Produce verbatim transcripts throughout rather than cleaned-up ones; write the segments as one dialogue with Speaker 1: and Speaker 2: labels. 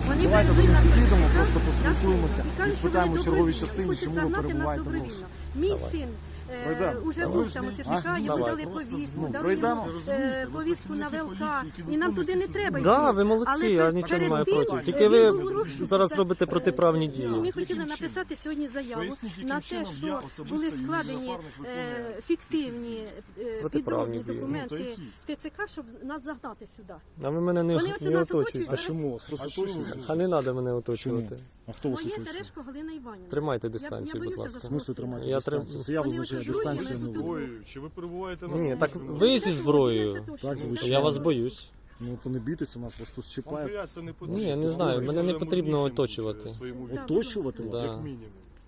Speaker 1: Вони
Speaker 2: Давайте
Speaker 1: привезли нас
Speaker 2: підійдемо,
Speaker 1: до
Speaker 2: просто
Speaker 1: ТЦК,
Speaker 2: поспілкуємося
Speaker 1: і
Speaker 2: і
Speaker 1: кажуть, що
Speaker 2: спитаємо
Speaker 1: вони
Speaker 2: в черговій
Speaker 1: добровільно
Speaker 2: частині,
Speaker 1: хочуть
Speaker 2: чому ви
Speaker 1: загнати нас
Speaker 2: перебуваєте в
Speaker 1: добровільно.
Speaker 2: розшуку.
Speaker 1: Мій
Speaker 2: Давай.
Speaker 1: син
Speaker 2: Пройдемо.
Speaker 1: уже
Speaker 2: Давай.
Speaker 1: був там у ТЦК,
Speaker 2: А?
Speaker 1: йому
Speaker 2: Давай.
Speaker 1: дали повістку,
Speaker 2: Ну,
Speaker 1: дали
Speaker 2: пройдемо.
Speaker 1: йому, е, повістку на ВЛК, і нам туди не треба йти.
Speaker 3: Да, ви молодці,
Speaker 1: Але
Speaker 3: я нічого не
Speaker 1: перед
Speaker 3: маю
Speaker 1: тим,
Speaker 3: проти.
Speaker 1: е,
Speaker 3: Тільки
Speaker 1: він
Speaker 3: ви
Speaker 1: був у розшуку.
Speaker 3: зараз
Speaker 1: Це-
Speaker 3: робите протиправні дії.
Speaker 1: Ми хотіли написати сьогодні заяву
Speaker 4: Поясніть,
Speaker 1: на
Speaker 4: яким
Speaker 1: те,
Speaker 4: чином
Speaker 1: що
Speaker 4: я особисто
Speaker 1: були
Speaker 4: і мій
Speaker 1: складені
Speaker 4: напарник виконує
Speaker 1: е, фіктивні е,
Speaker 3: Протиправні
Speaker 1: підробні
Speaker 3: дії.
Speaker 1: документи
Speaker 4: Ну, то
Speaker 1: в ТЦК, щоб нас загнати сюди.
Speaker 3: А ви мене не,
Speaker 1: Вони ось
Speaker 3: не
Speaker 1: нас
Speaker 3: оточуєте.
Speaker 1: оточують.
Speaker 2: А чому? Просто
Speaker 4: А чому?
Speaker 2: точно.
Speaker 3: А не треба мене оточувати.
Speaker 2: А хто вас
Speaker 1: Моє
Speaker 2: оточує?
Speaker 1: Терешко Галина Іванівна.
Speaker 3: Тримайте
Speaker 1: Я-
Speaker 3: дистанцію,
Speaker 1: я
Speaker 3: будь
Speaker 1: боюся
Speaker 3: ласка.
Speaker 2: В
Speaker 1: за
Speaker 2: смислі
Speaker 1: свого
Speaker 2: тримати
Speaker 3: Я
Speaker 2: дистанцію?
Speaker 3: трим-
Speaker 2: Це я
Speaker 1: Вони
Speaker 2: визначаю
Speaker 1: оточують,
Speaker 2: дистанцію.
Speaker 1: вони
Speaker 2: не ви.
Speaker 4: Зброєю, чи ви перебуваєте на
Speaker 3: Ні, так
Speaker 4: службі?
Speaker 3: ви зі зброєю.
Speaker 2: Так, звичайно.
Speaker 3: Я вас боюсь.
Speaker 2: Ну то не бійтеся нас, вас тут
Speaker 4: Вам
Speaker 2: чіпають.
Speaker 4: бояться не потрібно.
Speaker 3: Ні, я не знаю, мене не потрібно оточувати.
Speaker 2: Оточувати вас?
Speaker 3: Да.
Speaker 4: Як мінімум.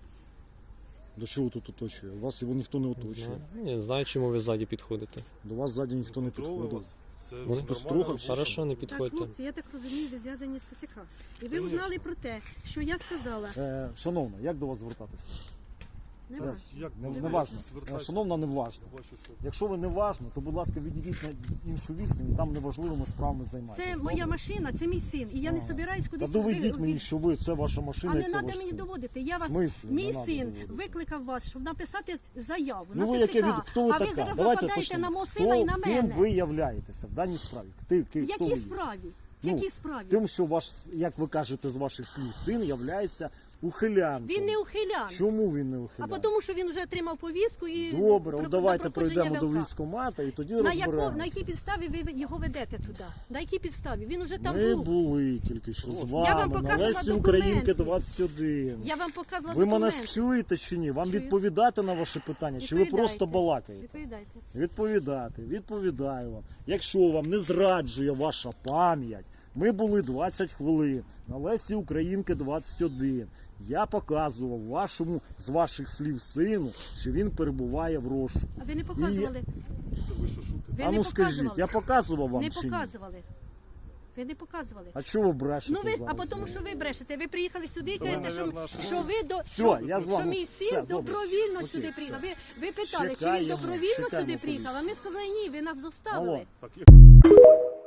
Speaker 2: До чого тут оточує? Вас його ніхто не оточує.
Speaker 3: Ну, я не знаю, чому ви ззаді підходите.
Speaker 2: До вас ззаді ніхто не
Speaker 4: Контролю
Speaker 2: підходив.
Speaker 4: вас. Це
Speaker 2: Ну,
Speaker 4: нормально
Speaker 2: хтось трогав,
Speaker 4: робити.
Speaker 3: Хорошо, не
Speaker 1: Так,
Speaker 3: підходьте.
Speaker 1: хлопці, я так розумію, ви зв'язані з ТЦК. І ви
Speaker 4: Конечно.
Speaker 1: узнали про те, що я сказала.
Speaker 2: Е, шановна, як до вас звертатися?
Speaker 1: Не
Speaker 4: Та,
Speaker 1: вас.
Speaker 4: як
Speaker 2: Не,
Speaker 4: можна
Speaker 2: не важно.
Speaker 4: звертатися?
Speaker 2: Шановна, не важно.
Speaker 4: Я бачу, що
Speaker 2: Якщо ви не важно, то будь ласка, відійдіть на іншу відстань, і там неважливими справами займайтеся.
Speaker 1: Це моя машина, це мій син. І я не собираюсь
Speaker 2: Та
Speaker 1: кудись.
Speaker 2: доведіть
Speaker 1: ви-
Speaker 2: мені,
Speaker 1: ви-
Speaker 2: що ви, це ваша машина
Speaker 1: А
Speaker 2: і
Speaker 1: не
Speaker 2: це
Speaker 1: треба
Speaker 2: ваш
Speaker 1: мені
Speaker 2: син.
Speaker 1: доводити. Я
Speaker 2: В
Speaker 1: вас,
Speaker 2: смислі? Не
Speaker 1: мій
Speaker 2: надо
Speaker 1: син
Speaker 2: доводити.
Speaker 1: викликав вас, щоб написати заяву
Speaker 2: Ну
Speaker 1: на
Speaker 2: ви
Speaker 1: ТЦК.
Speaker 2: яке від... Хто ви
Speaker 1: а ви
Speaker 2: така?
Speaker 1: зараз
Speaker 2: Давайте
Speaker 1: нападаєте
Speaker 2: почнемо.
Speaker 1: на мого сина і на
Speaker 2: Хто- Ким
Speaker 1: мене.
Speaker 2: ви являєтеся в даній справі? Ти, ти,
Speaker 1: В
Speaker 2: хто ви
Speaker 1: якій
Speaker 2: є?
Speaker 1: справі? В
Speaker 2: Ну,
Speaker 1: якій справі?
Speaker 2: Тим, що ваш, як ви кажете з ваших слів, син являється ухилянком.
Speaker 1: Він не ухилян.
Speaker 2: Чому він не
Speaker 1: А
Speaker 2: ухилян?
Speaker 1: тому, що він вже отримав повістку і
Speaker 2: Добре,
Speaker 1: про-
Speaker 2: от давайте
Speaker 1: на проходження
Speaker 2: пройдемо до
Speaker 1: ВЛК.
Speaker 2: військкомата і тоді
Speaker 1: На, яко,
Speaker 2: розберемося.
Speaker 1: на якій підставі ви його ведете туди? На якій підставі? Він уже там
Speaker 2: Ми
Speaker 1: був.
Speaker 2: були тільки що з
Speaker 1: Я вам
Speaker 2: вами на
Speaker 1: показувала
Speaker 2: Лесі
Speaker 1: документи.
Speaker 2: Українки двадцять один.
Speaker 1: Я вам показувала
Speaker 2: Ви мене
Speaker 1: документи.
Speaker 2: чуєте чи ні? Вам
Speaker 1: Чую.
Speaker 2: відповідати на ваше питання, чи ви
Speaker 1: Відповідайте.
Speaker 2: просто балакаєте?
Speaker 1: Відповідайте.
Speaker 2: Відповідати, відповідаю вам. Якщо вам не зраджує ваша пам'ять, ми були двадцять хвилин на Лесі Українки двадцять один. Я показував вашому з ваших слів сину, що він перебуває в розшуку.
Speaker 1: А ви не показували?
Speaker 4: Та ви що шутите?
Speaker 1: Ви
Speaker 2: а
Speaker 1: не
Speaker 2: ну скажіть,
Speaker 1: показували?
Speaker 2: я показував вам
Speaker 1: Не
Speaker 2: чи ні?
Speaker 1: показували. Ви не показували.
Speaker 2: А чого ви брешете
Speaker 1: Ну ви,
Speaker 2: зараз?
Speaker 1: а тому, що ви брешете. Ви приїхали сюди і
Speaker 4: ви,
Speaker 1: кажете, що,
Speaker 4: наверно, що-
Speaker 1: що ви до
Speaker 2: Все,
Speaker 1: що,
Speaker 2: я з
Speaker 1: що
Speaker 2: вами.
Speaker 1: мій
Speaker 2: Все,
Speaker 1: син
Speaker 2: добре.
Speaker 1: добровільно
Speaker 2: Окей,
Speaker 1: сюди
Speaker 2: все.
Speaker 1: приїхав. Ви, ви питали, чи він
Speaker 2: Чекаємо,
Speaker 1: добровільно
Speaker 2: чекаємо
Speaker 1: сюди приїхав. А ми сказали, ні, ви нас
Speaker 2: Алло.
Speaker 1: доставили.
Speaker 4: Так, як-